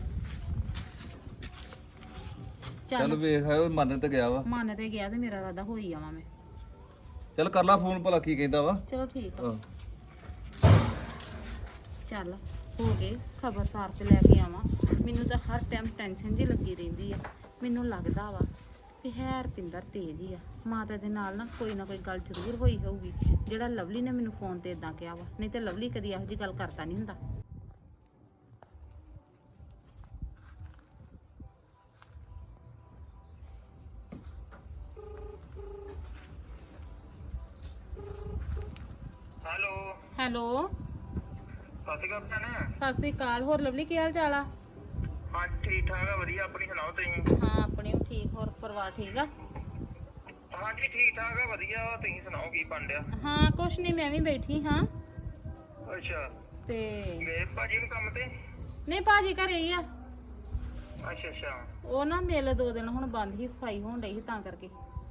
Speaker 5: ਚੱਲ ਵੇਖ ਉਹ ਮੰਨ ਤੇ ਗਿਆ ਵਾ।
Speaker 4: ਮਨ ਤੇ ਗਿਆ ਤੇ ਮੇਰਾ ਇਰਾਦਾ ਹੋਈ ਆਵਾਂ ਮੈਂ।
Speaker 5: ਚੱਲ ਕਰ ਲਾ ਫੋਨ, ਭਲਾ ਕੀ ਕਹਿੰਦਾ ਵਾ।
Speaker 4: ਚਲੋ ਠੀਕ ਆ,
Speaker 5: ਆਹ,
Speaker 4: ਚੱਲ ਹੋ ਕੇ ਖਬਰਸਾਰ ਤੇ ਲੈ ਕੇ ਆਵਾਂ। ਮੈਨੂੰ ਤਾਂ ਹਰ ਟਾਈਮ ਟੈਨਸ਼ਨ ਜੀ ਲੱਗੀ ਰਹਿੰਦੀ ਆ। ਮੈਨੂੰ ਲੱਗਦਾ ਵਾ ਵੀ ਹੈ ਰਪਿੰਦਰ ਤੇਜ਼ ਹੀ ਆ, ਮਾਤਾ ਦੇ ਨਾਲ ਨਾ ਕੋਈ ਗੱਲ ਜ਼ਰੂਰ ਹੋਈ ਹੋਊਗੀ, ਜਿਹੜਾ ਲਵਲੀ ਨੇ ਮੈਨੂੰ ਫੋਨ ਤੇ ਇਦਾਂ ਕਿਹਾ ਵਾ। ਨਹੀਂ ਤੇ ਲਵਲੀ ਕਦੀ ਇਹੋ ਜਿਹੀ ਗੱਲ ਕਰਦਾ ਨਹੀਂ ਹੁੰਦਾ। ਹੈਲੋ
Speaker 7: ਸਤਿ ਸ਼੍ਰੀ ਅਕਾਲ ਭੈਣ।
Speaker 4: ਸਤਿ ਸ੍ਰੀ ਅਕਾਲ। ਹੋਰ ਲਵਲੀ ਕੀ ਹਾਲ ਚਾਲ ਆ?
Speaker 7: ਹਾਂ ਠੀਕ ਠਾਕ ਆ, ਵਧੀਆ। ਆਪਣੀ ਸੁਣਾਓ ਤੁਸੀਂ?
Speaker 4: ਹਾਂ ਆਪਣੀ ਵੀ ਠੀਕ। ਹੋਰ ਪਰਿਵਾਰ ਠੀਕ ਆ?
Speaker 7: ਹਾਂਜੀ ਠੀਕ ਠਾਕ ਆ, ਵਧੀਆ। ਤੁਸੀਂ ਸੁਣਾਓ ਕੀ ਬਣ ਰਿਹਾ?
Speaker 4: ਹਾਂ ਕੁਛ ਨਹੀਂ, ਮੈਂ ਵੀ ਬੈਠੀ ਹਾਂ।
Speaker 7: ਅੱਛਾ,
Speaker 4: ਤੇ
Speaker 7: ਗਏ ਭਾਜੀ ਨੂੰ ਕੰਮ ਤੇ?
Speaker 4: ਨਹੀਂ ਭਾਜੀ ਘਰੇ ਹੀ ਆ।
Speaker 7: ਅੱਛਾ
Speaker 4: ਉਹ ਨਾ ਮਿਲ 2 ਦਿਨ ਹੁਣ ਬੰਦ ਹੀ, ਸਫਾਈ ਹੋਣ ਡਈ ਸੀ ਤਾਂ ਕਰਕੇ।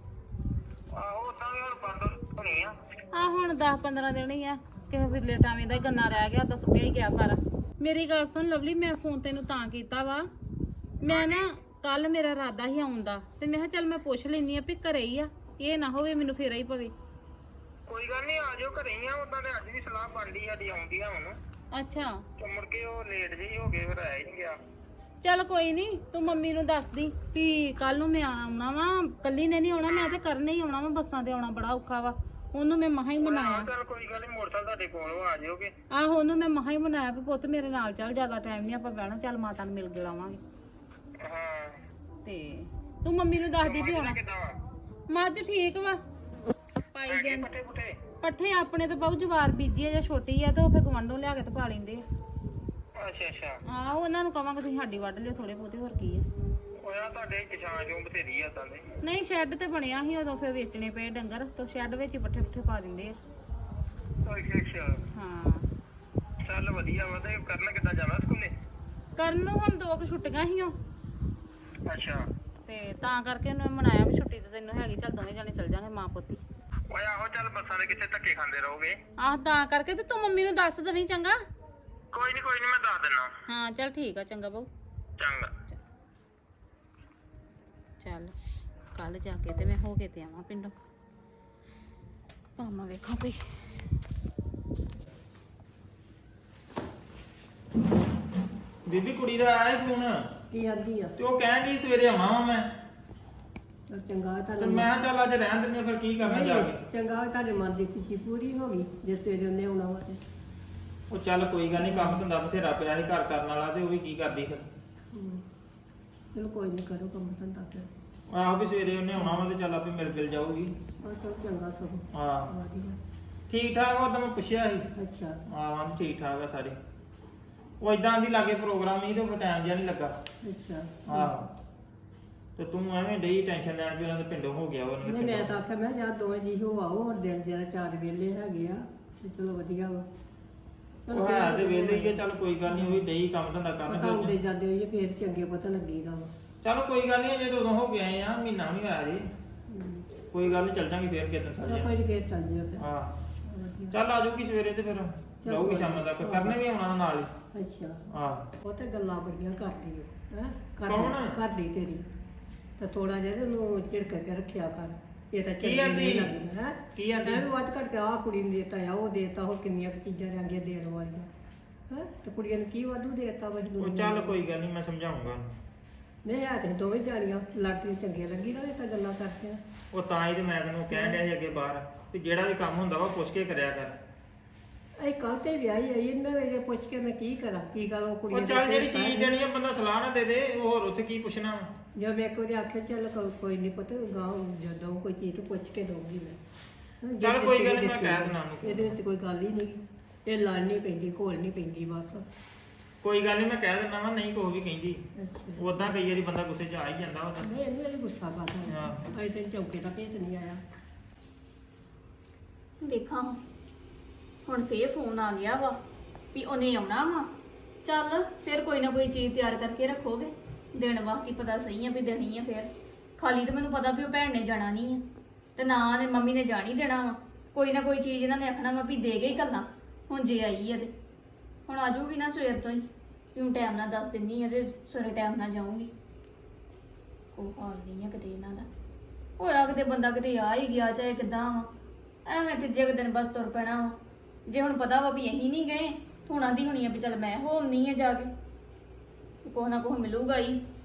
Speaker 7: ਆਹੋ ਤਾਂ ਵੀ ਹੁਣ ਬੰਦ ਹੋਣੀ ਆ।
Speaker 4: ਆ ਹੁਣ 10-15 ਦਿਨ ਹੀ ਆ, ਕਿਸੇ ਵੇਲੇ ਟਾਵੇਂ ਦਾ ਹੀ ਗੰਨਾ ਰਹਿ ਗਿਆ, ਤਾਂ ਸੁੱਕਿਆ ਹੀ ਗਿਆ ਸਾਰਾ। ਮੇਰੀ ਗੱਲ ਸੁਣ ਲਵਲੀ, ਮੈਂ ਫੋਨ ਤੈਨੂੰ ਤਾਂ ਕੀਤਾ ਵਾ, ਮੈਂ ਨਾ ਕੱਲ ਮੇਰਾ ਇਰਾਦਾ ਹੀ ਆਉਣ ਦਾ, ਤੇ ਮੈਂ ਕਿਹਾ ਚੱਲ ਮੈਂ ਪੁੱਛ ਲੈਣੀ ਆ ਵੀ ਘਰੇ ਹੀ ਆ, ਇਹ ਨਾ ਹੋਵੇ ਮੈਨੂੰ ਫੇਰਾ ਹੀ ਪਵੇ।
Speaker 7: ਕੋਈ ਗੱਲ ਨਹੀਂ, ਆ ਜਾਓ ਘਰੇ ਹੀ ਆ। ਉਦਾਂ ਤੇ ਅੱਜ ਵੀ ਸਲਾਹ ਬਣਦੀ ਸਾਡੀ ਆਉਂਦੀ ਆ ਹੁਣ।
Speaker 4: ਅੱਛਾ
Speaker 7: ਤੇ ਮੁੜ ਕੇ ਉਹ ਲੇਟ ਜਿਹੀ ਹੋ ਗਏ, ਫਿਰ ਆਇਆ ਹੀ ਨਹੀਂ ਗਿਆ।
Speaker 4: ਚੱਲ ਕੋਈ ਨਹੀਂ, ਤੂੰ ਮੰਮੀ ਨੂੰ ਦੱਸ ਦੀ ਵੀ ਕੱਲ ਨੂੰ ਮੈਂ ਆਉਣਾ ਵਾ। ਕੱਲੀ ਨੇ ਨਹੀਂ ਆਉਣਾ, ਮੈਂ ਤੇ ਕਰਨੇ ਹੀ ਆਉਣਾ ਵਾ। ਬੱਸਾਂ ਤੇ ਆਉਣਾ ਬੜਾ ਔਖਾ ਵਾ। ਉਹਨੂੰ ਮੈਂ ਮਹਾ ਹੀ ਮਨਾਇਆ।
Speaker 7: ਚੱਲ ਕੋਈ ਗੱਲ ਨਹੀਂ, ਮੋਟਰਸਾਈਕਲ ਤੁਹਾਡੇ ਕੋਲ ਆ ਜਾਓਗੇ।
Speaker 4: ਆਹੋ ਉਹਨੂੰ ਮੈਂ ਮਹਾ ਹੀ ਮਨਾਇਆ ਵੀ ਪੁੱਤ ਮੇਰੇ ਨਾਲ ਚੱਲ, ਜ਼ਿਆਦਾ ਟਾਈਮ ਨਹੀਂ ਆਪਾਂ ਬਹਿਣਾ, ਚੱਲ ਮਾਤਾ ਨੂੰ ਮਿਲ ਕੇ ਲਾਵਾਂਗੇ।
Speaker 7: ਹਾਂ
Speaker 4: ਤੇ ਤੂੰ ਮੰਮੀ ਨੂੰ ਦੱਸਦੀ ਵੀ ਆਉਣਾ।
Speaker 7: ਕਿੱਦਾਂ ਵਾ?
Speaker 4: ਮੱਝ ਠੀਕ ਵਾ, ਪਾਈ ਗਏ
Speaker 7: ਪੱਠੇ ਪੁੱਠੇ?
Speaker 4: ਪੱਠੇ ਆਪਣੇ ਤਾਂ ਬਹੁਤ ਜਵਾਰ ਬੀਜੀ ਆ ਜਾਂ ਛੋਟੀ ਆ, ਤੇ ਉਹ ਫੇ ਗਵੰਡੋਂ ਲਿਆ ਕੇ ਤੇ ਪਾ ਲੈਂਦੇ ਆ।
Speaker 7: ਅੱਛਾ
Speaker 4: ਆਹੋ ਉਹਨਾਂ ਨੂੰ ਕਵਾਂਗੇ ਤੁਸੀਂ ਸਾਡੀ ਵੱਢ ਲਿਓ ਥੋੜੇ ਬਹੁਤੇ, ਹੋਰ ਕੀ ਆ।
Speaker 7: ਉਹ ਯਾਰ ਤੁਹਾਡੇ ਕਿਸਾਨ ਚੋਂ ਬਥੇਰੀ ਆ ਤਾਂ ਦੇ।
Speaker 4: ਨਹੀਂ ਸ਼ੈੱਡ ਤੇ ਬਣਿਆ ਸੀ ਉਦੋਂ, ਫੇ ਵੇਚਣੇ ਪਏ ਡੰਗਰ, ਤਾਂ ਸ਼ੈੱਡ ਵਿੱਚ ਹੀ ਪੱਠੇ ਪੁੱਠੇ ਪਾ ਦਿੰਦੇ ਆ।
Speaker 7: ਅੱਛਾ
Speaker 4: ਹਾਂ
Speaker 7: ਚੱਲ ਵਧੀਆ ਵਾ। ਤੇ ਕਰਨ ਕਿੱਦਾਂ ਜਾਣਾ ਸਕੂਲੇ?
Speaker 4: ਕਰਨ ਨੂੰ ਹੁਣ 2 ਕੁ ਛੁੱਟੀਆਂ ਸੀ ਉਹ,
Speaker 7: ਅੱਛਾ
Speaker 4: ਤੇ ਤਾਂ ਕਰਕੇ ਉਹਨੇ ਮਨਾਇਆ ਵੀ ਛੁੱਟੀ ਤੇ ਤੈਨੂੰ ਹੈਗੀ, ਚੱਲ ਦੋਵੇਂ ਜਾਣੇ ਚੱਲ ਜਾਾਂਗੇ ਮਾਂ ਪੁੱਤੀ।
Speaker 7: ਓਏ ਆਹੋ, ਚੱਲ ਬੱਸਾਂ ਦੇ ਕਿੱਥੇ ਧੱਕੇ ਖਾਂਦੇ ਰਹੋਗੇ।
Speaker 4: ਆਹ ਤਾਂ ਕਰਕੇ ਤੇ ਤੂੰ ਮੰਮੀ ਨੂੰ ਦੱਸ ਦੇਵੀਂ ਚੰਗਾ।
Speaker 7: ਕੋਈ ਨਹੀਂ ਮੈਂ ਦੱਸ ਦਿੰਦਾ।
Speaker 4: ਹਾਂ ਚੱਲ ਠੀਕ ਆ, ਚੰਗਾ ਬਾਊ।
Speaker 7: ਚੰਗਾ।
Speaker 4: ਚੱਲ ਕੱਲ ਜਾ ਕੇ ਤੇ ਮੈਂ ਹੋ ਕੇ ਤੇ ਆਵਾਂ ਪਿੰਡੋਂ, ਕੰਮ ਵੇਖਾਂ ਕੋਈ।
Speaker 2: ਬੀਬੀ ਕੁੜੀ ਦਾ ਆਇਆ ਫੋਨ,
Speaker 1: ਕੀ ਆਂਦੀ ਆ?
Speaker 2: ਤੇ ਉਹ ਕਹਿਣ ਦੀ ਸਵੇਰੇ ਆਉਣਾ ਵਾ ਮੈਂ।
Speaker 1: ਚੱਲ ਚੰਗਾ
Speaker 2: ਤੇ
Speaker 1: ਤੁਹਾਡੇ
Speaker 2: ਮੈਂ ਕਿਹਾ ਚੱਲ ਅੱਜ ਰਹਿਣ ਦਿੰਦੇ ਆ, ਫਿਰ ਕੀ ਕਰਨਾ ਜਾ ਕੇ।
Speaker 1: ਚੰਗਾ ਤੁਹਾਡੇ ਮਨ ਦੀ ਖੁਸ਼ੀ ਪੂਰੀ ਹੋ ਗਈ ਜੇ ਸਵੇਰੇ ਉਹਨੇ ਆਉਣਾ ਵਾ ਤੇ।
Speaker 2: ਉਹ ਚੱਲ ਕੋਈ ਗੱਲ ਨਹੀਂ, ਕੰਮ ਧੰਦਾ ਬਥੇਰਾ ਪਿਆ ਸੀ ਘਰ ਕਰਨ ਵਾਲਾ, ਤੇ ਉਹ ਵੀ ਕੀ ਕਰਦੀ ਫਿਰ।
Speaker 1: ਚਲੋ ਕੋਈ ਨਹੀਂ, ਕਰੋ ਕੰਮ ਧੰਦਾ ਫਿਰ।
Speaker 2: ਆਹੋ ਵੀ ਸਵੇਰੇ ਉਹਨੇ ਆਉਣਾ ਵਾ, ਤੇ ਚੱਲ ਆਪੇ ਮਿਲ ਗਿਲ ਜਾਊਗੀ।
Speaker 1: ਆਹ ਚਲ ਚੰਗਾ ਸਗੋਂ
Speaker 2: ਹਾਂ
Speaker 1: ਵਧੀਆ।
Speaker 2: ਠੀਕ ਠਾਕ, ਉਹ ਤਾਂ ਮੈਂ ਪੁੱਛਿਆ ਸੀ।
Speaker 1: ਅੱਛਾ
Speaker 2: ਹਾਂ ਠੀਕ ਠਾਕ ਆ ਸਾਰੇ। ਉਹ ਇਦਾਂ ਦੀ ਲਾਗੇ ਪ੍ਰੋਗਰਾਮ ਹੀ ਤੇ ਉਹ ਟਾਈਮ ਜਿਹਾ ਨਹੀਂ ਲੱਗਾ।
Speaker 1: ਅੱਛਾ
Speaker 2: ਆਹ ਤੇ ਤੂੰ ਐਵੇਂ ਡਈ ਟੈਨਸ਼ਨ ਲੈਣ ਵੀ ਉਹਨਾਂ ਦੇ ਪਿੰਡੋਂ ਹੋ ਗਿਆ ਉਹਨਾਂ
Speaker 1: ਨਹੀਂ
Speaker 2: ਦੇ
Speaker 1: ਮੈਂ ਤਾਂ ਆਖਿਆ ਮੈਂ ਜਾਂ ਦੋਵੇਂ ਜੀ ਹੋ ਆਓ ਹੁਣ ਦਿਨ ਜਿਹੜਾ 4 ਵੇਲੇ ਹੈਗੇ ਆ ਤੇ ਚਲੋ ਵਧੀਆ ਵਾ
Speaker 2: ਉਹ ਹੈ ਤੇ ਵੇਲੇ ਹੀ ਆ, ਚੱਲ ਕੋਈ ਗੱਲ ਨਹੀਂ, ਉਹ ਵੀ ਡਈ ਕੰਮ ਧੰਦਾ
Speaker 1: ਪਤਾ
Speaker 2: ਕਰਨ
Speaker 1: ਹੁੰਦੇ ਜਾਂਦੇ ਹੋਈਏ ਫੇਰ ਚੰਗੇ ਪਤਾ ਲੱਗੀਦਾ ਵਾ
Speaker 2: ਚਲੋ ਕੋਈ ਗੱਲ ਨਹੀਂ, ਅਜੇ ਤਾਂ ਉਦੋਂ ਹੋ ਕੇ ਆਏ ਆ, ਮਹੀਨਾ ਵੀ ਹੋਇਆ ਜੀ, ਕੋਈ ਗੱਲ ਨਹੀਂ, ਚੱਲ ਜਾਂਗੇ ਫੇਰ ਕਿਤੇ
Speaker 1: ਚਲ
Speaker 2: ਸਾਰੇ।
Speaker 1: ਕੋਈ ਨੀ ਫੇਰ ਚੱਲ ਜਿਓ ਫਿਰ
Speaker 2: ਹਾਂ
Speaker 1: ਵਧੀਆ।
Speaker 2: ਚੱਲ ਆ ਜਾਊਗੀ ਸਵੇਰੇ ਤੇ ਫਿਰ ਜਾਊਗੀ ਸ਼ਾਮ ਤੱਕ, ਕਰਨੇ ਵੀ ਆਉਣਾ ਨਾਲ ਹੀ।
Speaker 1: ਅੱਛਾ
Speaker 2: ਆਹ
Speaker 1: ਉਹ ਤੇ ਗੱਲਾਂ ਬੜੀਆਂ ਕਰਦੀ ਹੈ
Speaker 2: ਕੌਣ?
Speaker 1: ਕਰਦੀ ਤੇਰੀ ਤੇ ਥੋੜਾ ਜਿਹਾ ਉਹਨੂੰ ਝਿੜਕ ਕੇ ਰੱਖਿਆ ਕਰ, ਇਹ ਤਾਂ ਚੰਗੀ
Speaker 2: ਆਂਦੀ?
Speaker 1: ਨਹੀਂ ਲੱਗਦੀ ਹੈ
Speaker 2: ਕੀ ਆਂਦੀ?
Speaker 1: ਐਵੇਂ ਵੱਧ ਘੱਟ ਕੇ ਆਹ ਕੁੜੀ ਨੂੰ ਦੇਤਾ ਆ, ਉਹ ਦੇਤਾ, ਹੋਰ ਕਿੰਨੀਆਂ ਕੁ ਚੀਜ਼ਾਂ ਰਹਿੰਦੀਆਂ ਦੇਣ ਵਾਲੀਆਂ ਹੈ, ਤੇ ਕੁੜੀਆਂ ਨੂੰ ਕੀ ਵਾਧੂ ਦੇਤਾ ਵਾ
Speaker 2: ਉਹ ਚੱਲ ਕੋਈ ਗੱਲ ਨਹੀਂ, ਮੈਂ ਸਮਝਾਉਂਗਾ।
Speaker 1: ਨਹੀਂ ਆ ਤੇ ਦੋਵੇਂ ਜਾਣੀਆਂ ਲਾਟਰੀ ਚੰਗੀਆਂ ਲੱਗੀ ਨਾ ਇਹ ਤਾਂ ਗੱਲਾਂ ਕਰਦੇ ਆ।
Speaker 2: ਉਹ ਤਾਂ ਹੀ ਤੇ ਮੈਂ ਤੈਨੂੰ ਕਹਿਣ ਡਿਆ ਸੀ ਅੱਗੇ ਬਾਹਰ ਵੀ ਜਿਹੜਾ ਵੀ ਕੰਮ ਹੁੰਦਾ ਵਾ ਪੁੱਛ ਕੇ ਕਰਿਆ ਕਰ।
Speaker 1: ਇਹ ਕੱਲ ਤੇ ਵਿਆਹੀ ਆਈ ਮੈਂ ਇਹ ਪੁੱਛ ਕੇ ਮੈਂ ਕੀ ਕਰਾਂ, ਕੀ ਗੱਲ ਉਹ ਕੁੜੀਆਂ
Speaker 2: ਉਹ
Speaker 1: ਦੇ
Speaker 2: ਚੱਲ ਜਿਹੜੀ
Speaker 1: ਭੇਤ ਆ।
Speaker 2: ਚੀਜ਼ ਦੇਣੀ ਆ ਬੰਦਾ ਸਲਾਹ ਨਾ ਦੇ ਦੇ, ਉਹ ਹੋਰ ਉੱਥੇ ਕੀ ਪੁੱਛਣਾ ਵਾ।
Speaker 1: ਜਦ ਮੈਂ ਇੱਕ ਵਾਰੀ ਆਖਿਆ ਚੱਲ ਕੋਈ ਨਹੀਂ ਪੁੱਤ ਗਾਂ ਜਦੋਂ ਕੋਈ ਚੀਜ਼ ਪੁੱਛ ਕੇ ਦਊਂਗੀ ਮੈਂ ਹਾਂ, ਜੇ
Speaker 2: ਚੱਲ ਕੋਈ ਗੱਲ
Speaker 1: ਦਿੱਤੀ
Speaker 2: ਨੀ, ਮੈਂ ਕਹਿ ਦੇਣਾ ਉਹਨੂੰ।
Speaker 1: ਇਹਦੇ ਵਿੱਚ ਕੋਈ ਗੱਲ ਹੀ ਨਹੀਂ, ਇਹ ਲੜ ਨਹੀਂ ਪੈਂਦੀ ਘੋਲ ਨਹੀਂ ਪੈਂਦੀ ਬਸ।
Speaker 2: ਕੋਈ ਗੱਲ ਨਹੀਂ, ਮੈਂ ਕਹਿ ਦਿੰਦਾ ਵਾ, ਨਹੀਂ ਕੋਈ ਵੀ ਕਹਿੰਦੀ।
Speaker 1: ਅੱਛਾ
Speaker 2: ਉਦਾਂ ਕਈ ਵਾਰੀ ਬੰਦਾ ਗੁੱਸੇ 'ਚ ਆ ਹੀ ਜਾਂਦਾ ਉਹਦਾ।
Speaker 1: ਨਹੀਂ ਇਹਨੂੰ ਇਹ ਗੁੱਸਾ ਕਰਦਾ
Speaker 2: ਹਾਂ।
Speaker 1: ਅਜੇ ਤੇ ਚੌਕੇ ਦਾ ਭੇਤ ਨਹੀਂ ਆਇਆ।
Speaker 3: ਵੇਖਾਂ ਹੁਣ ਫੇਰ ਫੋਨ ਆ ਗਿਆ ਵਾ ਵੀ ਉਹਨੇ ਆਉਣਾ ਵਾ। ਚੱਲ ਫਿਰ ਕੋਈ ਨਾ ਕੋਈ ਚੀਜ਼ ਤਿਆਰ ਕਰਕੇ ਰੱਖੋਗੇ, ਦਿਨ ਵਾਸਤੇ ਪਤਾ ਸਹੀ ਆ ਵੀ ਦੇਣੀ ਆ। ਫਿਰ ਖਾਲੀ ਤਾਂ ਮੈਨੂੰ ਪਤਾ ਵੀ ਉਹ ਭੈਣ ਨੇ ਜਾਣਾ ਨਹੀਂ ਆ ਤੇ ਨਾ ਨੇ ਮੰਮੀ ਨੇ ਜਾਣੀ ਦੇਣਾ ਵਾ। ਕੋਈ ਨਾ ਕੋਈ ਚੀਜ਼ ਇਹਨਾਂ ਨੇ ਆਖਣਾ ਵਾ ਵੀ ਦੇ ਗਈ ਗੱਲਾਂ। ਹੁਣ ਜੇ ਆਈ ਆ ਤੇ ਹੁਣ ਆ ਜਾਊਗੀ ਨਾ ਸਵੇਰ ਤੋਂ ਹੀ, ਕਿਉਂ ਟਾਈਮ ਨਾਲ ਦੱਸ ਦਿੰਨੀ ਆ ਤੇ ਸਵੇਰੇ ਟਾਈਮ ਨਾਲ ਜਾਊਂਗੀ। ਕੋਈ ਹਾਲ ਨਹੀਂ ਆ ਕਿਤੇ ਇਹਨਾਂ ਦਾ, ਹੋਇਆ ਕਿਤੇ ਬੰਦਾ ਕਿਤੇ ਆ ਹੀ ਗਿਆ ਚਾਹੇ ਕਿੱਦਾਂ ਵਾ, ਐਵੇਂ ਤੀਜੇ ਕੁ ਦਿਨ ਬਸ ਤੁਰ ਪੈਣਾ ਵਾ। ਜੇ ਹੁਣ ਪਤਾ ਵਾ ਵੀ ਅਸੀਂ ਨਹੀਂ ਗਏ, ਹੁਣ ਆਂਦੀ ਹੋਣੀ ਆ ਵੀ ਚੱਲ ਮੈਂ ਹੋ ਆਉਂਦੀ ਆ ਜਾ ਕੇ, ਕੁਛ ਨਾ ਕੁਛ ਮਿਲੂਗਾ ਹੀ।